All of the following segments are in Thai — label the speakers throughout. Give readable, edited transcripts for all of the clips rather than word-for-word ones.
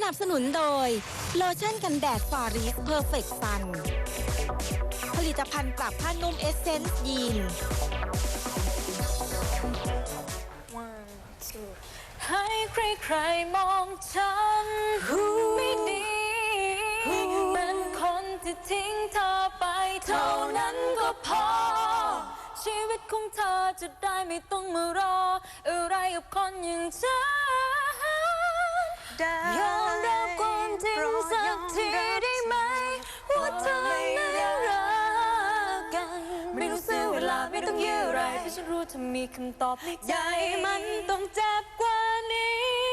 Speaker 1: นับสนุนโดยโลชั่นกันแดดฟอริสเพอร์เฟคซันผลิตภัณฑ์ปรับผ้านุ่มเอสเซนส์ยีน
Speaker 2: ให้ใครๆมองฉันไม่ดีเป็นคนที่ทิ้งเธอไปเท่านั้นก็พอชีวิตของเธอจะได้ไม่ต้องมารออะไรกับคนอย่างฉันยอมรับความจริงสักทีได้ไหมว่าเธอไม่ได้รักกันไม่ต้องเสียเวลาไม่ต้องยื้ออะไรเพราะฉันรู้เธอมีคำตอบในใจมันต้องเจ็บกว่านี้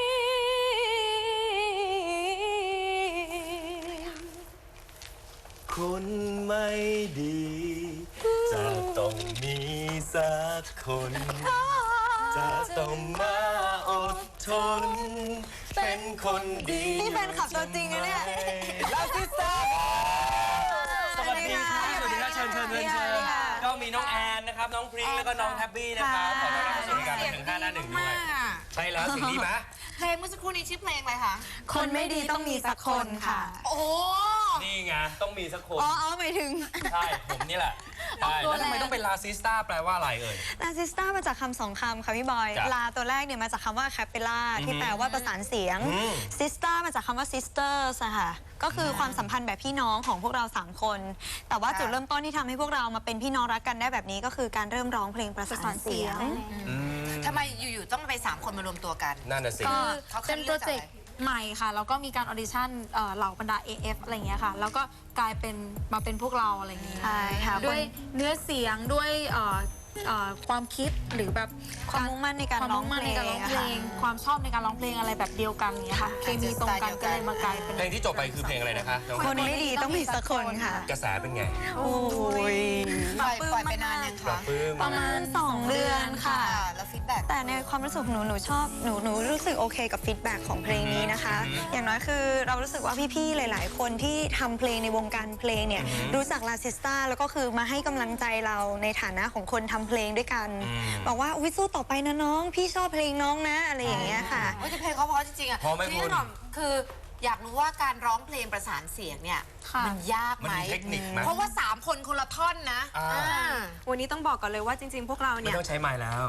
Speaker 3: คนไม่ดีจะต้องมีสักคนจะต้องมาอดทนเป็นคนดีนี่แฟนคลับตัวจริงนะเนี่ยลาซิสตาสวัสดีค่ะสวัสดีค่ะเชิญก็มีน้องแอนนะครับน้องพริ้งแล้วก็น้องแฮปปี้นะครับขอต้อนรับสู่รายการถึง5 หน้า 1ด้วยใช่แล้วสิ่งนี้ไหม
Speaker 4: เพลงเมื่อสักครู่นี้ชื่อเพลงอะไรคะ
Speaker 2: คนไม่ดีต้องมีสักคนค่ะ
Speaker 4: โอ้
Speaker 3: นี่ไงต้องมีสักคน
Speaker 4: หมายถึง
Speaker 3: ใช่ผมนี่แหละใช่แล้วทำไมต้องเป็นลาซิสตาแปลว่าอะไรเอ่ย
Speaker 5: ลาซิสตามาจากคำ2 คำค่ะพี่บอยลาตัวแรกเนี่ยมาจากคำว่าแคปเปล่าที่แปลว่าประสานเสียงซิสตามาจากคำว่าซิสเตอร์ค่ะก็คือความสัมพันธ์แบบพี่น้องของพวกเรา3 คนแต่ว่าจุดเริ่มต้นที่ทำให้พวกเรามาเป็นพี่น้องรักกันได้แบบนี้ก็คือการเริ่มร้องเพลงประสานเสียง
Speaker 4: ทำไมอยู่ๆต้องไป3 คนมารวมตัวกัน
Speaker 3: นั่นน่ะสิ
Speaker 2: เขาเป็นโปรเจกต์ใหม่ค่ะแล้วก็มีการออดิชั่นเหล่าบรรดา AF อะไรอย่างเงี้ยค่ะแล้วก็กลายเป็นมาเป็นพวกเราอะไรอย่างเงี้ย
Speaker 5: ใช่ค่ะ
Speaker 2: ด้วยเนื้อเสียงด้วยความคิดหรือแบบ
Speaker 5: ความมุ่งมั่นในการร้องเพลง
Speaker 2: ความชอบในการร้องเพลงอะไรแบบเดียวกันเนี้ยค่ะเคมีตรงกันก็เลยมากลายเป็น
Speaker 3: เพลงที่จบไปคือเพลงอะไรนะคะ
Speaker 5: คนไม่ดีต้องมีสักคนค่ะ
Speaker 3: กระแสเป็นไง
Speaker 5: โอ้ย
Speaker 4: ปล่อยไปนานยังคะ
Speaker 5: ประมาณ2 เดือนค่ะ
Speaker 4: แล้วฟีดแบ็ก
Speaker 5: แต่ในความรู้สึกหนูชอบหนูรู้สึกโอเคกับฟีดแบ็กของเพลงนี้นะคะอย่างน้อยคือเรารู้สึกว่าพี่ๆหลายๆคนที่ทำเพลงในวงการเพลงเนี่ยรู้จักลาซิสตาแล้วก็คือมาให้กำลังใจเราในฐานะของคนทำเพลงด้วยกันบอกว่าอุ้ยสู้ต่อไปนะน้องพี่ชอบเพลงน้องนะอะไรอย่างเงี้ยค่ะ
Speaker 4: โอ้ยเพลงเขาเพราะจริงๆอ่ะพี่หน่อมคืออยากรู้ว่าการร้องเพลงประสานเสียงเนี่ยมันยากไหมเพราะว่า3 คนคนละท่อนนะ
Speaker 5: วันนี้ต้องบอกก่อนเลยว่าจริงๆพวกเราเนี่ย
Speaker 3: ไม่ต้องใช้ไม้แล้ว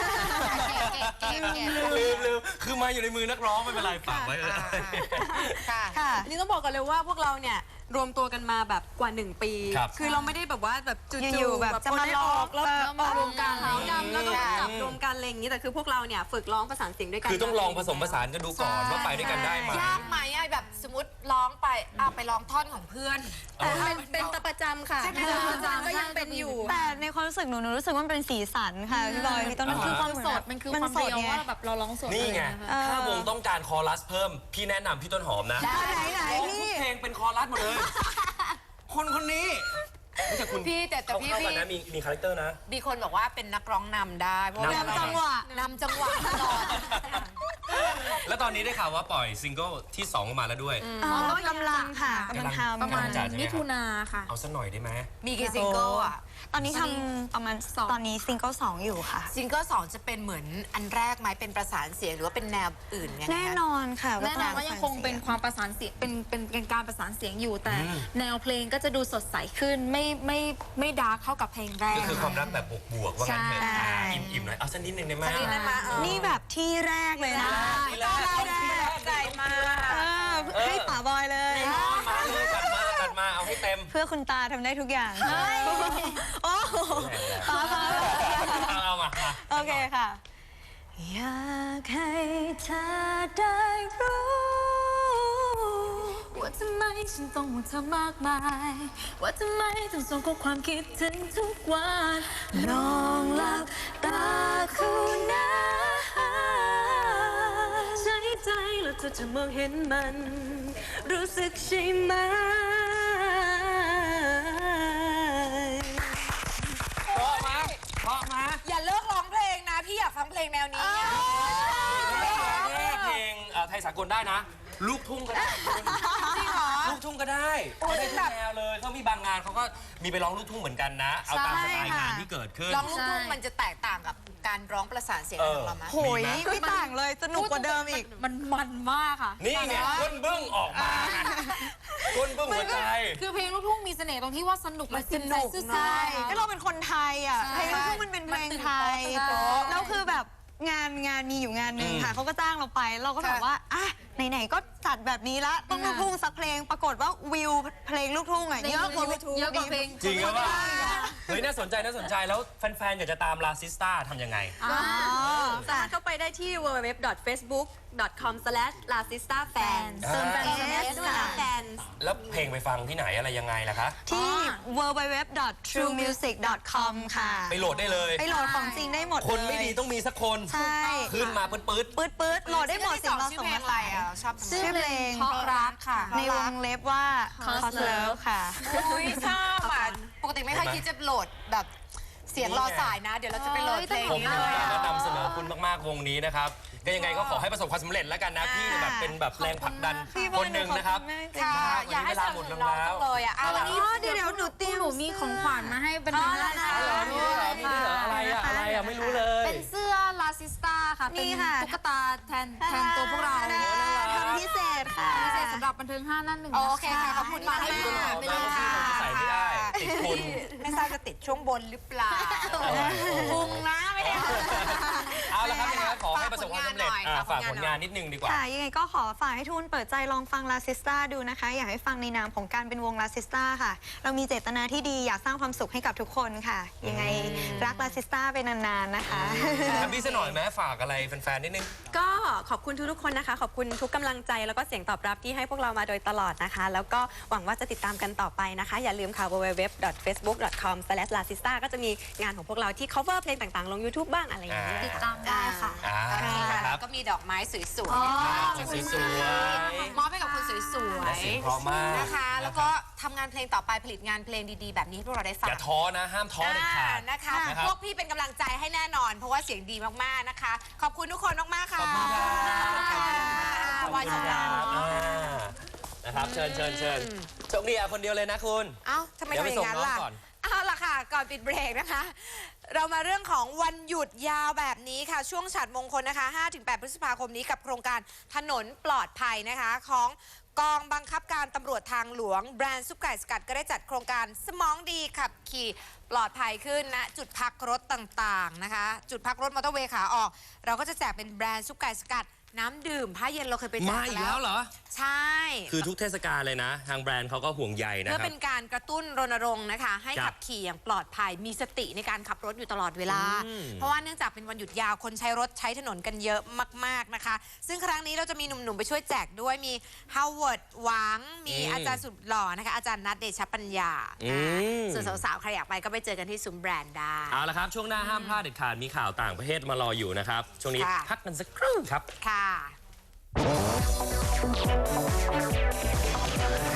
Speaker 3: ลืมคือไม้อยู่ในมือนักร้องไม่เป็นไรฝากไว้เลย
Speaker 5: ค่ะนี่ต้องบอกก่อนเลยว่าพวกเราเนี่ยรวมตัวกันมาแบบกว่า1 ปีคือเราไม่ได้แบบว่าแบบจู่ๆแบบจะมาลอกแล้วมารวมกันขาวดำแล้วก็จับรวมกันอะไรอย่างนี้แต่คือพวกเราเนี่ยฝึกร้องประสานเสียงด้วยกัน
Speaker 3: คือต้องลองผสมผสานกันดูก่อนว่าไปด้วยกันได้ไหม
Speaker 4: ยากไหมแบบสมมติร้องไปไปร้องท่อนของเพื่อน
Speaker 2: เป็นตะประจำค่ะ
Speaker 4: ประจำก็ยังเป็นอยู่
Speaker 5: แต่ในความรู้สึกหนูรู้สึกว่ามันเป็นสีสันค่ะพี่บอยพี่ต้น
Speaker 2: มันคือความสดมันคือความเดียวว่าแบบเราร้องสด
Speaker 3: นี่ไงถ้าวงต้องการคอรัสเพิ่มพี่แนะนำพี่ต้นหอมนะ
Speaker 5: ไหนพี่
Speaker 3: เพลงเป็นคอรัสหมดเลยคนนี้
Speaker 4: พี่แต่พี่
Speaker 3: มีคาแรคเตอร์นะ
Speaker 4: มีคนบอกว่าเป็นนักร้องนำได้เพราะ
Speaker 5: นำจังหวะ
Speaker 4: ตลอด
Speaker 3: แล้วตอนนี้ได้ข่าวว่าปล่อยซิงเกิลที่2ออกมาแล้วด้วย
Speaker 5: กำลังค่ะกำลังทำ
Speaker 2: ประมาณมิถุนาค่ะ
Speaker 3: เอาสักหน่อยได้ไหม
Speaker 4: มีกี่ซิงเกิลอ่ะ
Speaker 5: ตอนนี้ทำประมาณตอนนี้ซิงเกิล2อยู่ค่ะ
Speaker 4: ซิงเกิล2จะเป็นเหมือนอันแรกไหมเป็นประสานเสียงหรือว่าเป็นแนวอื่นไง
Speaker 5: แน่นอนค่ะ
Speaker 2: แน่นอนว่ายังคงเป็นความประสานเสียงเป็นการประสานเสียงอยู่แต่แนวเพลงก็จะดูสดใสขึ้นไม่ดาร์กเท่ากับเพลงแรก
Speaker 3: ก็คือความรักแบบบวกๆว่างั้นเถอะอิ่มๆหน่อยเอาสักนิดนึงได้ไหม
Speaker 5: นี่แบบที่แรกเลยนะ
Speaker 4: ใจมาก
Speaker 5: ให้ป๋าบอยเลย
Speaker 3: มาเลยกัดมาเอาให้เต็ม
Speaker 5: เพื่อคุณตาทำได้ทุกอย่างโอ้
Speaker 3: เอามา
Speaker 5: โอเคค่ะอยากให้เธอได้รู้
Speaker 2: ว่าทำไมฉันต้องห่วงเธอมากมายว่าทำไมต้องส่งข้อความคิดถึงทุกวัน
Speaker 5: ลองหลับตาคุณนะ
Speaker 2: ใช้ใจแล้วเธอจะมองเห็นมันรู้สึกใช่ไหม
Speaker 3: เพราะมา
Speaker 4: อย่าเลิกร้องเพลงนะพี่อยากฟังเพลงแนวนี้
Speaker 3: เพลงไทยสากลได้นะลูกทุ่งก็ได้จริงเหรอลูกทุ่งก็ได้เขาได้ทุกแนวเลยเขามีบางงานเขาก็มีไปร้องลูกทุ่งเหมือนกันนะ เอาตามสไตล์งานที่เกิดขึ้น
Speaker 4: ร้องลูกทุ่งมันจะแตกต่างกับการร้องประสานเสียงของเราไหม
Speaker 5: โหยไม่ต่างเลยสนุกกว่าเดิมอีก
Speaker 2: มันมากค่ะ
Speaker 3: นี่ไงก้นบึ้งออกมาไงก้นบึ้งหัวใจ
Speaker 2: คือเพลงลูกทุ่งมีเสน่ห์ตรงที่ว่าสนุกและสนุก
Speaker 5: ใช่ก็เราเป็นคนไทยอ่ะเพลงลูกทุ่งมันเป็นเพลงไทยแล้วคือแบบงานมีอยู่งานหนึ่งค่ะเขาก็จ้างเราไปเราก็แบบว่าอ่ะไหนๆก็จัดแบบนี้ละต้องลูกทุ่งสักเพลงปรากฏว่าวิวเพลงลูกทุ่งอ่ะเยอะกว่าเพลง
Speaker 3: จริงหรือเปล่าเฮ้ยน่าสนใจแล้วแฟนๆอยากจะตามลาซิสตาทำยังไง
Speaker 6: สามารถเข้าไปได้ที่ www.facebook.com/lasistafans
Speaker 3: เติมแฟน
Speaker 6: ด้วยนะแฟน
Speaker 3: แล้วเพลงไปฟังที่ไหนอะไรยังไงล่ะคะ
Speaker 5: ที่ www.truemusic.com ค่ะ
Speaker 3: ไปโหลดได้เลย
Speaker 5: ไปโหลดของจริงได้หมดเลย
Speaker 3: คนไม่ดีต้องมีสักคน
Speaker 5: ใช่
Speaker 3: ขึ้นมาปื๊ด
Speaker 5: ปื๊ดโหลดได้หมด
Speaker 4: ชื่
Speaker 5: สิ่
Speaker 4: อง
Speaker 5: เรา
Speaker 4: ชื่
Speaker 5: ส่
Speaker 4: อง เพล
Speaker 5: มาง
Speaker 4: อะไรอ่ะชอบ
Speaker 5: ชื่อเพลง
Speaker 2: เพราะรักค่ะ
Speaker 5: ในวงเล็บว่า Cause Love ค่ะ
Speaker 4: อุ้ยชอบอ่ะปกติไม่ค่อยคิดจะโหลดแบบเสียงรอสายนะ เดี๋ยวเราจะไปโหลดเพลง
Speaker 3: ๆผม
Speaker 4: นี้
Speaker 3: เห็น
Speaker 4: เลย
Speaker 3: แล้ว
Speaker 4: อ่ะ
Speaker 3: ก็นำเสนอคุณมากๆวงนี้นะครับก็ยังไงก็ขอให้ประสบความสำเร็จแล้วกันนะพี่แบบเป็นแบบแรงผลักดันคนหนึ่งนะครับ
Speaker 4: ค่ะ อยากให้สนับสนุนน้องจังเลยอ่ะเอาวันนี้
Speaker 5: เดี๋ยวหนูเตรียม
Speaker 2: หนูมีของขวัญมาให้เป็นเพลงแรก
Speaker 3: อ๋อมีด้วยเหรอมีด้วยเหรออะไรอะไม่รู้เลย
Speaker 2: เป็นเสื้อลาซิสตาค่ะ
Speaker 5: นี่
Speaker 2: เป็น
Speaker 5: ค่ะ
Speaker 2: ตุ๊กตาแทนตัวพวกเรา
Speaker 5: ทำพิเศษค่ะ
Speaker 2: พิเศษสำหรับบันเทิง5 นั่น 1
Speaker 4: โอเคค่ะขอบคุณมาก
Speaker 3: ให้
Speaker 4: ค่ะ
Speaker 3: ดูหน่อย
Speaker 4: ไปเลยค่ะ
Speaker 3: ใส่ไม่ได้ติดคุณ
Speaker 4: ไม่ทราบจะติดช่วงบนหรือเปล่าพุงนะไม่ได้
Speaker 3: เอาละครับยังไงก็ขอให้ประสบความสำเร็จฝากผลงานนิดนึงดีกว่า
Speaker 5: ค่ะยังไงก็ขอฝากให้ทุนเปิดใจลองฟังลาซิสตาดูนะคะ อยากให้ฟังในนามของการเป็นวงลาซิสตาค่ะ เรามีเจตนาที่ดีอยากสร้างความสุขให้กับทุกคนค่ะ ยังไงรักลาซิสตาไปนานๆนะคะ
Speaker 3: พี่ซะหน่อยไหมฝากอะไรแฟนๆนิดนึง
Speaker 6: ก็ขอบคุณทุกๆคนนะคะ ขอบคุณทุกกำลังใจแล้วก็เสียงตอบรับที่ให้พวกเรามาโดยตลอดนะคะ แล้วก็หวังว่าจะติดตามกันต่อไปนะคะ อย่าลืมค่ะ www.facebook.com/lasista ก็จะมีงานของพวกเราที่ cover เพลงต่างๆ ลง YouTube บ้างอะไรอย่างเงี้ย
Speaker 2: ติดตามได้ค่ะ
Speaker 3: ครับ
Speaker 4: ก็มีดอกไม้สวย
Speaker 3: สวย
Speaker 4: ๆมอบให้กับคนสวย
Speaker 3: เสียงเพราะมาก
Speaker 4: ๆนะคะ แล้วก็ทำงานเพลงต่อไปผลิตงานเพลงดีๆ แบบนี้ให้พวกเราได้ฟัง
Speaker 3: อย่าท้อนะห้ามท้อเด็ดขาด
Speaker 4: นะคะ
Speaker 3: นะครับ
Speaker 4: พวกพี่เป็นกำลังใจให้แน่นอน เพราะว่าเสียงดีมากๆนะคะ ขอบคุณทุกคนมากๆค่ะ
Speaker 3: ขอบคุณครับ
Speaker 4: วายชนะ
Speaker 3: นะครับเชิญโชคดีคนเดียวเลยนะคุณ
Speaker 4: เอ้าทำไมทำอย่างนั้นล่ะ
Speaker 3: เดี๋ยวไปส่งน้องก่อน
Speaker 4: เอาล่ะค่ะ ก่อนปิดเบรกนะคะ เรามาเรื่องของวันหยุดยาวแบบนี้ค่ะ ช่วงฉัตรมงคลนะคะ 5-8 พฤษภาคมนี้กับโครงการถนนปลอดภัยนะคะของกองบังคับการตำรวจทางหลวงแบรนด์ซุปไก่สกัดก็ได้จัดโครงการสมองดีขับขี่ปลอดภัยขึ้นณจุดพักรถต่างๆนะคะ จุดพักรถมอเตอร์เวย์ขาออก เราก็จะแจกเป็นแบรนด์ซุปไก่สกัดน้ำดื่มผ้าเย็นเราเคยไปแจก
Speaker 3: มา
Speaker 4: กั
Speaker 3: อี
Speaker 4: น
Speaker 3: กแล้วเหรอ
Speaker 4: ใช่
Speaker 3: คือทุกเทศกาลเลยนะ ทางแบรนด์เขาก็ห่วงใยนะ
Speaker 4: เพื่อ
Speaker 3: ครับ
Speaker 4: เป็นการกระตุ้นรณรงค์นะคะ ให้
Speaker 3: ครับ
Speaker 4: ขับขี่อย่างปลอดภัยมีสติในการขับรถอยู่ตลอดเวลา
Speaker 3: อืม
Speaker 4: เพราะว่าเนื่องจากเป็นวันหยุดยาวคนใช้รถใช้ถนนกันเยอะมากๆนะคะ ซึ่งครั้งนี้เราจะมีหนุ่มๆไปช่วยแจกด้วยมีฮาวเวิร์ดหวังมีอาจารย์สุดหล่อนะคะอาจารย์นัทเดชปัญญาส่วนสาวๆใครอยากไปก็ไปเจอกันที่ซุ้มแบรนด์ได้
Speaker 3: เอาละครับ ช่วงหน้าห้ามพลาดเด็ดขาดมีข่าวต่างประเทศมารออยู่นะครับ ช่วงนี้
Speaker 4: ค่ะ
Speaker 3: พักกันสักครู่ครับ
Speaker 4: ค่ะ